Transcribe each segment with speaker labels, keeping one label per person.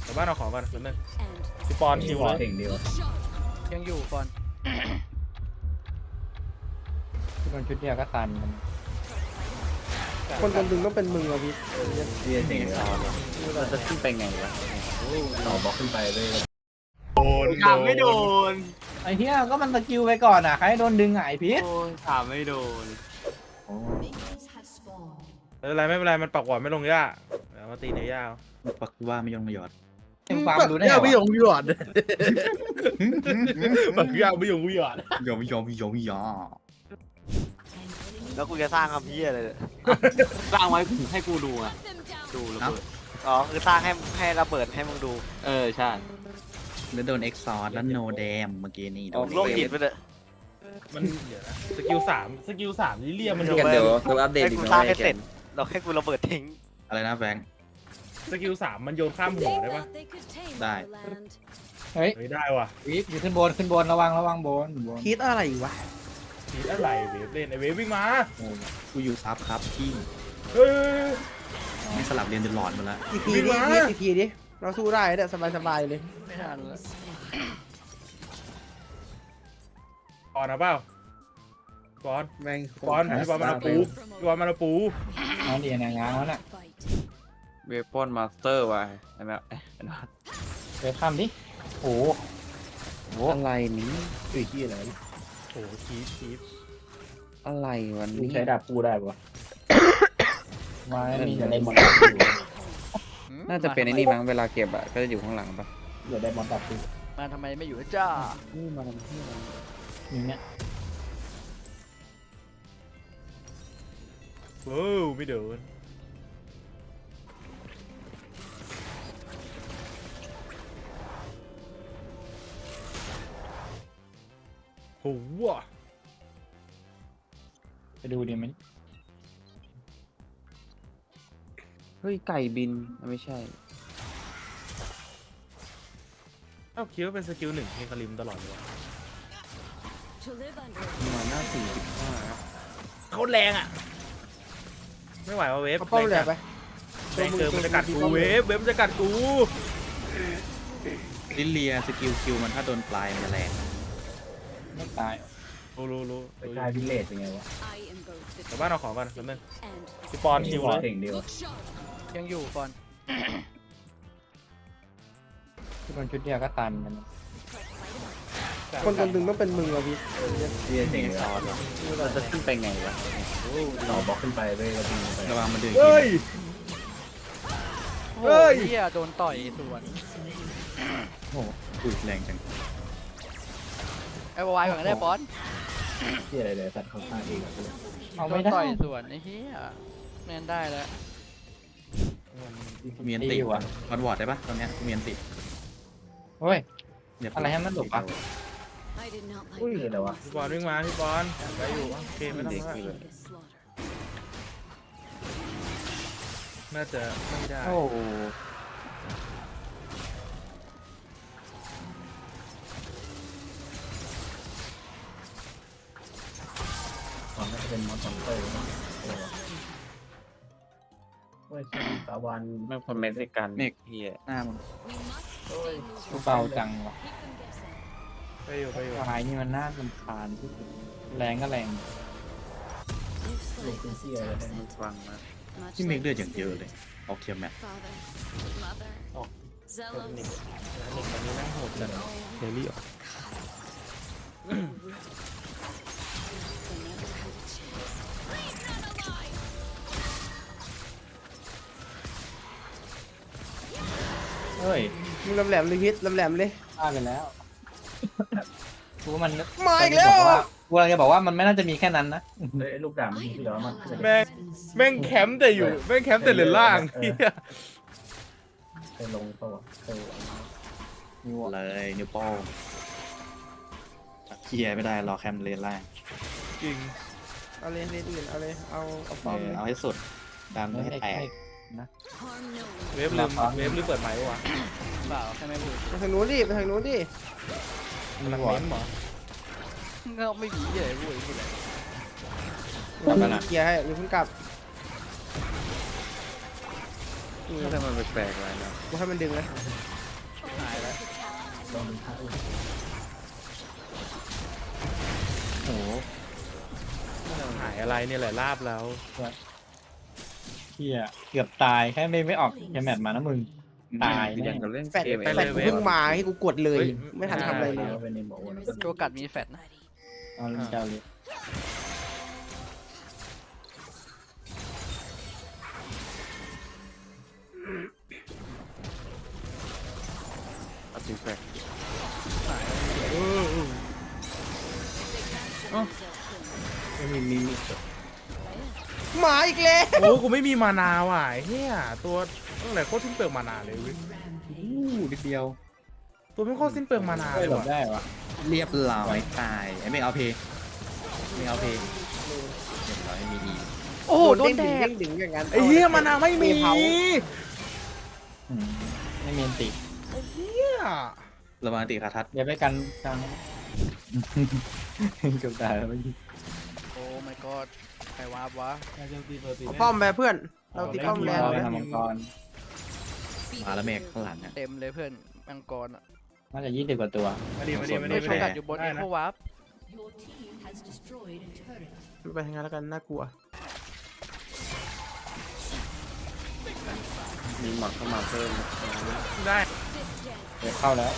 Speaker 1: แต่บ้านเอาของก่อนนิดนึงพี่ปอนชิวเลย
Speaker 2: เก่งดีวะ
Speaker 3: ยังอยู่ก่อน
Speaker 4: ที่มันชุดเดียวก็ตันมัน
Speaker 5: คนดึงต้องเป็นมึงอะพี่
Speaker 2: เรียนเก่งซอสเราจะขึ้นไปไงวะต่อบล็อกขึ้นไปเลย
Speaker 6: ถามไม่โดน
Speaker 4: ไอ้เหี้ยก็มันสกิลไปก่อนอ่ะใครโดนดึงอ่ะไอ้พีท
Speaker 6: โอ้ยถามไม่โดน
Speaker 1: ไม่เป็นไรมันปักหวอดไม่ลงย่าเดี๋ยวมาตีในย่า
Speaker 2: ปักว่าไม่ยองมาหยอด
Speaker 4: ยังฟังดูได้
Speaker 5: เนี่ย
Speaker 4: ไง
Speaker 5: พี่หย
Speaker 4: วะ
Speaker 5: งพี่หยอด
Speaker 1: ปักย่าไม่ยงไม่หยอด
Speaker 2: ยอมยอมยอมยอม
Speaker 6: แล้วกูจะสร้างคำพี่อะไรเนี่ย
Speaker 7: สร้างไว้ให้กูดูอ่ะดูระเบิด
Speaker 6: อ๋อคือสร้างให้ระเบิดให้มึงดู
Speaker 7: เออใช่
Speaker 2: แล้วโดนเอ็กซอร์แล้วโนแดมเมื่อกี้นี่โดน
Speaker 6: โลกหินไปเลย
Speaker 1: มันเดี๋ยวนะสกิลสามลิเลียมัน
Speaker 6: เดี๋ยว
Speaker 2: ตัวอัปเดต
Speaker 6: ให้
Speaker 2: อีก
Speaker 6: กู
Speaker 2: แล้ว
Speaker 6: สร้างให้เสร็จเราให้กูระเบิดทิ้ง
Speaker 2: อะไรนะแบงค์
Speaker 1: สกิลสามมันโยนข้ามหัวได้ปะ
Speaker 2: ได้
Speaker 4: เฮ้ย
Speaker 1: เฮ้ยได้ว่ะ
Speaker 4: พีทอยู่ขึ้นบนระวังบน
Speaker 5: คิดอะไรวะ
Speaker 1: ทีอะไรเวฟเล่นไอเวฟวิ่งมา
Speaker 2: โอ้กูอยู่ซับครับที่
Speaker 1: เฮ้ย
Speaker 2: ไม่สลับเรียนจนหลอนหมดแล้ว
Speaker 5: อีกทีดิพี่อีกทีดิเราสู้ได้เนี่ยสบายเลย
Speaker 3: ไม่ทันแล้ว
Speaker 1: ปอนเอาเปล่าปอน
Speaker 5: แม่ง
Speaker 1: ปอนพี่ปอนมันเอาปูพี่ปอนมันเอาปู
Speaker 4: น้องดีนะงานแล้วน่ะ
Speaker 7: เวปอนมาสเตอร์ว่ะใช่ไหม
Speaker 4: ไปข้ามดิโอ้โห
Speaker 2: อะไรนี้
Speaker 5: อุ้ยที่อะไร
Speaker 1: โอ้โหคีบ
Speaker 2: อะไรวันนี้
Speaker 4: ใช้ดาบปูได้ปะมามีแต่ในมอน
Speaker 7: น่าจะเป็นไอ้นี่มั้งเวลาเก็บอ่ะก็จะอยู่ข้างหลังปะ
Speaker 4: เดี๋ยวได้มอนดาบปู
Speaker 3: มาทำไมไม่อยู่จ้า
Speaker 4: นี่มาทำที่อะไรอย่างเงี้ย
Speaker 1: โอ้ไม่โดนโหว่ะ
Speaker 4: ไปดูดิมัน
Speaker 7: เฮ้ยไก่บินไม่ใช่
Speaker 1: เอ้าคิดว่าเป็นสกิลหนึ่งเฮงคาริมตลอดเลยวะ
Speaker 7: มาหน้า45
Speaker 1: เขาแรงอ่ะไม่ไหวว่ะเวฟ
Speaker 5: เขาป้อมแหลมไป
Speaker 1: แรงเกินมันจะกัดกูเวฟมันจะกัดกู
Speaker 2: ลิเลียสกิลคิวมันถ้าโดนปลายมันจะแรง
Speaker 4: ไม่ตาย
Speaker 1: รู้
Speaker 4: ไปกลายวิลเลจเป็นไงวะ
Speaker 1: แต่บ้านเอาของก่อนนิดนึงพี่ปอนชิวเลย
Speaker 2: เก่งดีวะ
Speaker 3: ยังอยู่ก่อน
Speaker 4: ที่มันชุดเดียวก็ตันมัน
Speaker 5: คนดึงต้องเป็นมึงอะพี่
Speaker 2: เรียนเก่งซอส
Speaker 7: เราจะขึ้นไปไงวะ
Speaker 2: ต่อบล็อกขึ้นไปเลยระวังมันดึง
Speaker 1: เฮ้ย
Speaker 3: โอ้
Speaker 1: เฮ้ย
Speaker 3: ยเฮียโดนต่อยสวน
Speaker 2: โอ้โหอุ้ยแรงจัง
Speaker 3: ไอ้วายก่อนก็ได้บอส
Speaker 2: ที่อะไรเลยสัตว์เขาฆ่าเอง
Speaker 4: เอา
Speaker 3: โด
Speaker 4: ไม่
Speaker 3: น
Speaker 4: ได้
Speaker 3: ต่อยสวนไอ้เฮียแม่นได้แล้ว
Speaker 2: มีอันติวะวัดวอร์ดได้ปะตอนเนี้ยมีอันติ
Speaker 4: เฮ้ย
Speaker 2: เดี๋ยว
Speaker 4: อะไรให้มันหลบปะ
Speaker 5: อุ้ยอะไรวะ
Speaker 1: พี่ปอนวิ่งมาพี่ปอนไปอยู่โอเคไม่ต้องแล้วน่าจะไม่ได้
Speaker 4: โอ้โห
Speaker 2: มันน่าจะเป็นมอนสเตอร์เฮ้ยตะวัน
Speaker 7: ไม่คนเม็กซิกัน
Speaker 2: เมก
Speaker 7: เฮีย
Speaker 2: หน้ามัน
Speaker 4: กูเบาจังวะ
Speaker 1: ไปอยู่
Speaker 4: ลายนี่มันน่ารำคาญที่สุดแรงก็แรง
Speaker 7: มันฟังนะ
Speaker 2: ที่เมกเลือดอย่างเยอะเลยออกเทียมแมท
Speaker 1: หนึ่งตอนนี้แม่งโหดจัดเฮลี่ออก
Speaker 4: เฮ้ย
Speaker 5: มึงแหลมเลยพิษแหลมเลย
Speaker 4: พลาดไปแล้วกูว่ามัน
Speaker 5: มาอีกแล้ว
Speaker 4: กูกำลังจะบอกว่ามันไม่น่าจะมีแค่นั้นนะ
Speaker 2: ลูกดำที่เหลือมัน
Speaker 1: แม่งแคมป์แต่อยู่แม่งแคมป์แต่เหลือล่างเฮีย
Speaker 2: ไปลงตัวเลยนิ้วโป้งเคลียร์ไม่ได้รอแคมเลนล่าง
Speaker 1: จริง
Speaker 5: เอาเลยเลนอื่นเอาเลยเอาป้อมเลย
Speaker 2: เอาให้สุดดันไม่ให้แตก
Speaker 1: เวฟลืมเปิดไมค์วะ
Speaker 3: เปล่าแค่ไม่พูด
Speaker 5: ไปทางนู้นดิไปทางนู้นดิ
Speaker 1: มันเม้นหรอ
Speaker 3: เงาไม่มีเลยพูดพูดอะไร
Speaker 5: เคลียร์ให้หรือเพิ่งกลับ
Speaker 7: ทำไมมันแปลกๆอะไรนะ
Speaker 5: กูให้มันดึงนะ
Speaker 3: หายแล้ว
Speaker 4: โอ้โห
Speaker 1: หายอะไรเนี่ยแหละลาบแล้ว
Speaker 4: เฮียเกือบตายแค่ไม่ออกแคมแมทมานะมึง ตาย
Speaker 7: อ
Speaker 4: แน่
Speaker 7: ย่างกับเล่น
Speaker 5: แฟด
Speaker 7: เกม
Speaker 5: แฟดกูเพิ่งมาให้กูกดเลย ไม่ทันทำอะไรเลย
Speaker 3: ตัวกัดมีแฟตนะ
Speaker 4: เอาเล่นเจ้าเลย
Speaker 7: อาร์ติแฟกต์
Speaker 4: ไม่มี
Speaker 5: มาอีกแล้ว
Speaker 1: โอ้กูไม่มีมานาว่ะไอ้เฮียตัวตั้งแต่โคตรสิ้นเปลืองมานาเลยเว้ย
Speaker 7: นิดเดียว
Speaker 1: ตัวไม่โคตรสิ้นเปลืองมานา
Speaker 4: ไม่
Speaker 1: เลย
Speaker 4: หลบ
Speaker 1: ว่ะ
Speaker 4: ได้วะ
Speaker 7: เรียบร้อยตายไอ้ไม่เอาเพย์ไม่เอาเพย์เรียบร้อยมีดี
Speaker 3: โอ้โหโดนแด
Speaker 5: เด้
Speaker 3: ก
Speaker 5: งดึงอย่างนั้น
Speaker 1: ไอ้เฮียมานาไม่มี
Speaker 5: เผา
Speaker 4: อืมไม่มีอันติ
Speaker 1: เฮีย
Speaker 7: ระวังติคาทัศ
Speaker 4: เดี๋ยวไปกันกลางเกือบตายแล้วเมื่อกี้
Speaker 3: โอ้ my god ใครวาร์ปวะ
Speaker 5: เอาป้อมไปเพื่อน เราตีป้อมแรง
Speaker 4: เราไป
Speaker 5: นะ
Speaker 4: ทำมังกร
Speaker 7: มาแล้วเมฆข้างหลังอ่ะ
Speaker 3: เต็มเลยเพื่อนมังกรอ่ะ
Speaker 4: น่าจะ20 กว่าตัว
Speaker 1: มาดิมาดิมา
Speaker 3: เฮ้
Speaker 1: ดิ
Speaker 3: ย
Speaker 1: มา
Speaker 3: โช
Speaker 1: ดิ
Speaker 3: กัดอยู่บน
Speaker 1: ได้
Speaker 3: เอ็
Speaker 1: นะ
Speaker 3: โควาร์ป
Speaker 5: ไปทางานแล้วกันน่ากลัว
Speaker 7: มีหมอดเข้ามาเพิ่มนะ
Speaker 1: ได้
Speaker 4: เดี๋ยวเข้าแล้ว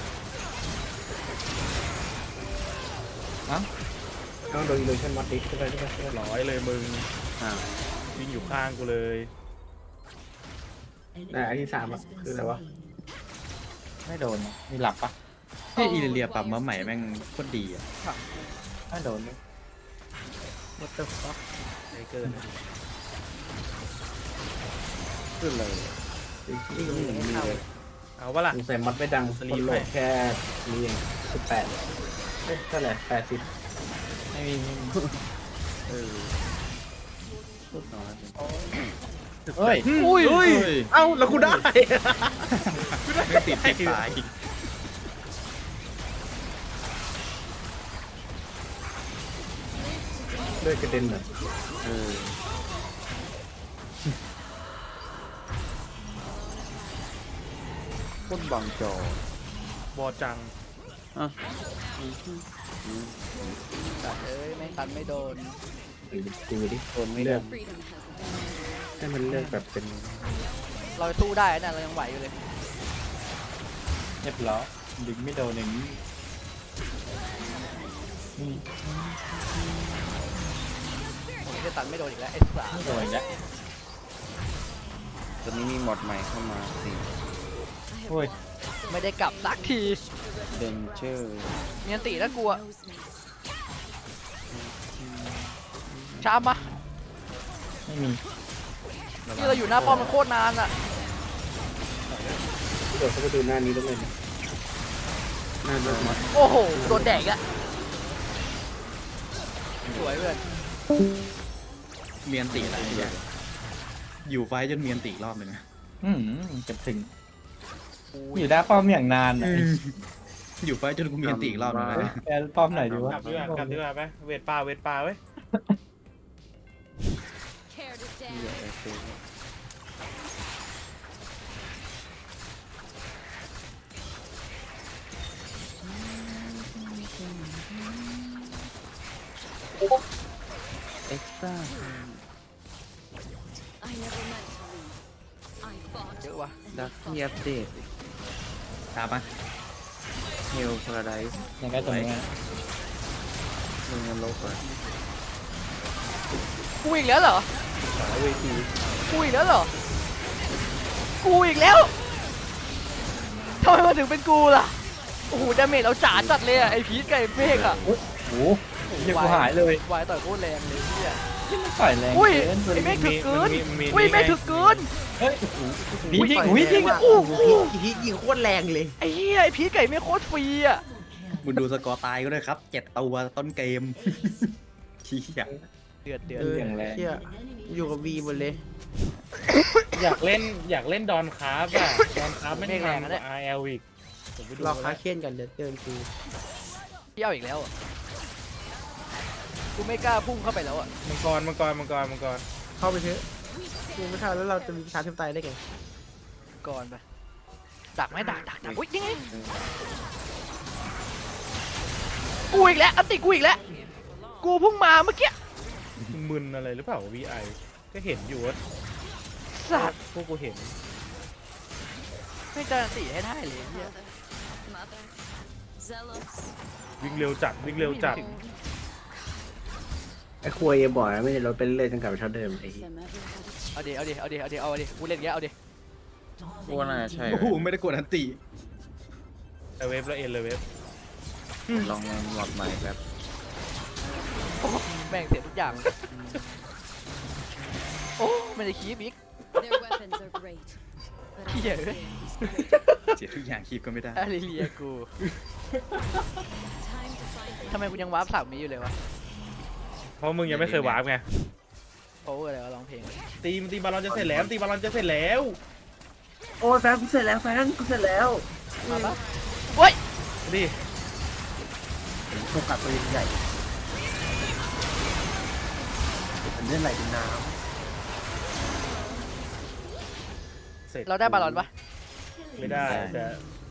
Speaker 5: ต้องโดนอิลูชันมัดดิขึ้นไปขึ้นไปขึ้นไป
Speaker 1: ร้อยเลยมึง
Speaker 7: อ่า
Speaker 1: วิ่งอยู่ข้างกูเลย
Speaker 5: อันที่3อ่ะคืออะไรวะ
Speaker 4: ไม่โดนนะมีหลับปะ
Speaker 7: เฮ้ยอีเลียปรับมาใหม่แม่งโคตรดีอ่ะ
Speaker 4: ไม่โดนเลย
Speaker 5: What the fuck
Speaker 1: ไอ้เกิน
Speaker 7: ขึ้นเลย
Speaker 5: นี่ก็ไม่มีเลย
Speaker 1: เอาวะล่ะ
Speaker 5: ใส่มัดไม่ดัง
Speaker 1: สลีป
Speaker 5: คนโหลด
Speaker 1: ให้
Speaker 5: แค่นี้เอง18เอ๊ะเท่าไหร่80
Speaker 4: ไม่มี
Speaker 7: เออพูดน้อย
Speaker 4: เฮ้ย
Speaker 3: อุ้ย
Speaker 1: เฮ้ยเอ้าแล้วกูได้
Speaker 7: ไม่ติดตาย
Speaker 5: เลือดกระเด็นเลย
Speaker 7: เออ โคตรบังจอบ
Speaker 1: อจัง
Speaker 7: อ่ะ
Speaker 3: ตัดเอ้ยไม่ตันไม่โดน
Speaker 5: ดูดิ
Speaker 7: ทนไม่
Speaker 5: เลื
Speaker 7: ได้
Speaker 5: อกให้มันเลือกแบบเป็น
Speaker 3: เราสู้ได้นะเรายังไหวอยู่เลย
Speaker 4: เรียบร้อยดึงไม่โดนอย่างนี้นี่
Speaker 3: ผมจะตันไม่โดนอีกแล้วไอ้สาม
Speaker 4: ไม่โดนอีกแล้ว
Speaker 7: ตอนนี้มีหมอดใหม่เข้ามาสิ
Speaker 4: โอ้ย
Speaker 3: ไม่ได้กลับสักที
Speaker 7: เดนเจอร์
Speaker 3: มีอันตีน่ากลัวชามปะ
Speaker 4: ไม่มี
Speaker 3: ที่เราอยู่หน้าป้อมมันโคตรนานอ่ะ
Speaker 5: เดี๋ยวเขาไปดูหน้านี้ต้องเลยหน้านี้มัด
Speaker 3: โอ้โหโดนแดกอ่ะสวยเพื่อน
Speaker 7: เมียนติอะไรอย่างอยู่ไฟท์จนเมียนติอีกรอบหนึ่งนะ
Speaker 4: จะถึง อยู่ด้านป้อมอย่างนานอ่ะ
Speaker 7: อยู่ไฟท์จนกูเมียนติอีกรอบหนึงนะ
Speaker 4: แกป้อมไหนดีวะ
Speaker 1: กลับดีกว่ากลับดีกว่าไหมเวทป่าเวทป่าเว้ย
Speaker 7: เอ็กซ์ตร้า
Speaker 3: เยอะว่ะ
Speaker 7: ดักที่อัปเดตตามปะเฮลพาราไดส์
Speaker 4: อย่างใกล้ตรงนี้
Speaker 7: มึงมันโลกอ่ะ
Speaker 3: กูอีกแล้วเหรอ
Speaker 1: สายเวที
Speaker 3: กูอีกแล้วเหรอ กูอีกแล้วทำไมมาถึงเป็นกูล่ะ โอ้โหดาเมจเราจ๋าจัดเลยอะไอพีทกับไอเมฆอะ
Speaker 4: โอ้โหเหี้ยกูหายเลยว
Speaker 3: ายต่อยโคตรแรงเลยเนี่ย
Speaker 4: ที่มันต่อยแรง
Speaker 3: อุ้ย
Speaker 4: เกิน
Speaker 3: ไอเมฆถึกเกิน
Speaker 1: มี
Speaker 3: อุ้ย
Speaker 1: นี่
Speaker 3: เมฆ
Speaker 1: ไง
Speaker 3: ถึกเกิน
Speaker 4: เฮ้ยผี
Speaker 3: อุ้ย
Speaker 4: ยิง
Speaker 3: ต่อย
Speaker 4: อุ้ย
Speaker 3: แร
Speaker 4: ยิง
Speaker 3: งว่ะ
Speaker 4: โอ้โห
Speaker 5: ยิงโคตรแรงเลย
Speaker 3: ไอ้เหี้ยไอพีทกับไอเมฆโคตรฟรีอะ
Speaker 7: มึงดูสกอร์ตายก็ได้ครับ7 ตัวต้นเกม ชี้อ่ะ
Speaker 3: เดือดเดือด
Speaker 4: อย่างแรง
Speaker 5: เชี่ยอยู่กับวีหมดเลย
Speaker 1: อยากเล่นดอนคราฟอ่ะดอนคราฟไม่แรงนะ RL อีกผมไปดู
Speaker 5: รอ
Speaker 1: แล้
Speaker 5: ค้าว เคียนกันเดี๋ยวเตือนกู
Speaker 3: เที่ยวอีกแล้วอะกูไม่กล้าพุ่งเข้าไปแล้วอะ
Speaker 1: มังกร
Speaker 5: เข้าไปเถอะกูไม่ทันแล้วเราจะมีประชาธิปไตยได้ไง
Speaker 3: ก่อนไปดักไหมดักอุ้ยยังไงกูอีกแล้วอันติกูอีกแล้วกูเพิ่งมาเมื่อกี้
Speaker 1: มึนอะไรหรือเปล่า VI ก็เห็นอยู่ว่า
Speaker 3: สัตว์
Speaker 1: พวกกูเห็น
Speaker 3: ไม่จะอันติให้ได้เลยเฮีย
Speaker 1: วิ่งเร็วจัดวิ่งเร็วจัด
Speaker 5: ไอ้ควยบ่อยไม่ได้รถเป็นเรื่อยจนกลับไปเท่าเดิมไอ้เหี้ย
Speaker 3: เอาดิกูเล่นเงี้ยเอาดิ
Speaker 2: พวกน่าใช่
Speaker 7: โอ้โหไม่ได้กดอันติ
Speaker 1: เวฟแล้วเอ็นเลยเวฟ
Speaker 2: ลองหลอดใหม่แบบ
Speaker 3: แม่งเสียทุกอย่างโอ้ไม่ได้คีบอีก
Speaker 8: Their weapons are great, but I
Speaker 3: Yeah.
Speaker 8: fear this great.
Speaker 7: เสียทุกอย่างคีบก็ไม่ได้
Speaker 3: อาริเลียกู
Speaker 8: Time to find
Speaker 3: ทำไมกูยังวาร์ปสามมีอยู่เลยวะ
Speaker 1: เพราะมึงยังไม่เคยวาร์ปไง
Speaker 3: โอ้อะไรวะร้องเพลง
Speaker 1: ตีบอลลอนจะเสร็จแล้วตีบอลลอนจะเสร็จแล้ว
Speaker 5: โอ้ยแฟนกูเสร็จแล้วแฟนกูเสร็จแล้ว
Speaker 3: มาปะโอ้ย
Speaker 1: ดิ
Speaker 5: กูกัดตัวใหญ่มันเล่นไหลเป็นน้
Speaker 1: เสร็จ
Speaker 3: เราได้บาลอนปะ
Speaker 1: ไม่ได้แต่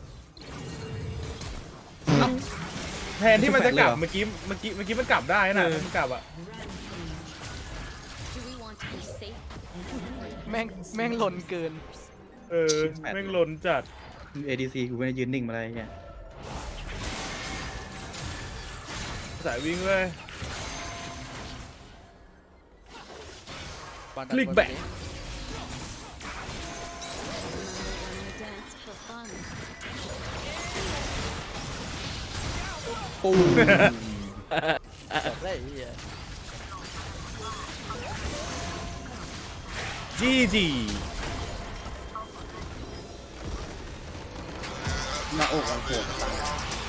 Speaker 1: แทนที่มันจะกลับเมื่อกี้มันกลับได้นะมันกลับอ่ะ
Speaker 8: Do we want to be safe?
Speaker 3: แม่งหล่นเกิน
Speaker 1: แม่งล้นจัด
Speaker 7: ADC กูไม่ได้ยืนนิ่งมาอะไรเงี้ย
Speaker 1: สายวิ่งเลย คลิกแบ็ค
Speaker 8: Remember when we dance for fun?
Speaker 3: ได้ไอ้เหี้ย
Speaker 1: GG
Speaker 2: หน้าอกมันโผล่มาตั้ง